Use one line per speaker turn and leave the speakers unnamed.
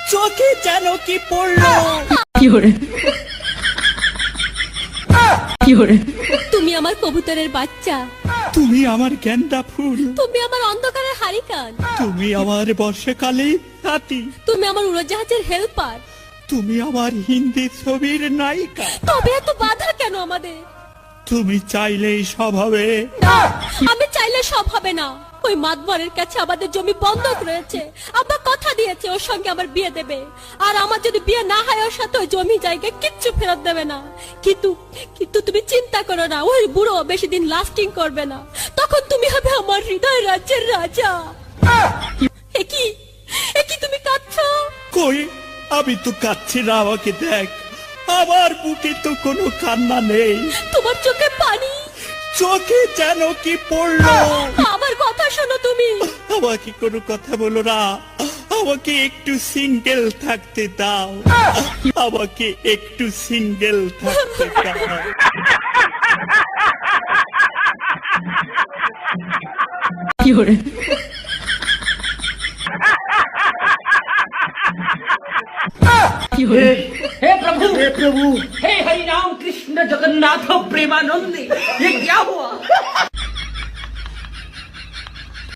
চোখে যেন কি পড়লো।
তুমি আমার কবুতরের বাচ্চা,
তুমি আমার গেন্দা ফুল,
তুমি আমার অন্ধকারের হারিকান,
তুমি আমার বর্ষাকালে হাতি,
তুমি আমার উড়োজাহাজের হেল্পার।
তুমি আমার হিন্দি ছবির নায়িকা।
তবে এত বাধা কেন আমাদের?
তুমি চাইলেই সব হবে।
না, আমি চাইলে সব হবে না। ওই মাতবরের কাছে আমাদের জমি বন্ধক রয়েছে। আব্বা কথা দিয়েছে ওর সঙ্গে আমার বিয়ে দেবে, আর আমার যদি বিয়ে না হয় ওর সাথে ওই জমি জায়গা কিচ্ছু ফেরত দেবে না। কিন্তু কিন্তু তুমি চিন্তা করো না, ওই বুড়ো বেশি দিন লাস্টিং করবে না। তখন তুমি হবে আমার হৃদয় রাজ্যের রাজা। একই একই তুমি কাঁদছো?
কই, আমি তো কাচ্ছি না, আমাকে দেখ। আমার বুকে তো কোনো কান্না নেই,
তোমার চোখে পানি।
চোখে যেন কি পড়লো।
আমার কথা শোনো তুমি।
আমাকে কোনো কথা বলো না, আমাকে একটু সিঙ্গেল থাকতে দাও, আমাকে একটু সিঙ্গেল থাকতে দাও।
हे प्रभु हे हरि राम कृष्ण जगन्नाथ प्रेमानंद, ये क्या हुआ?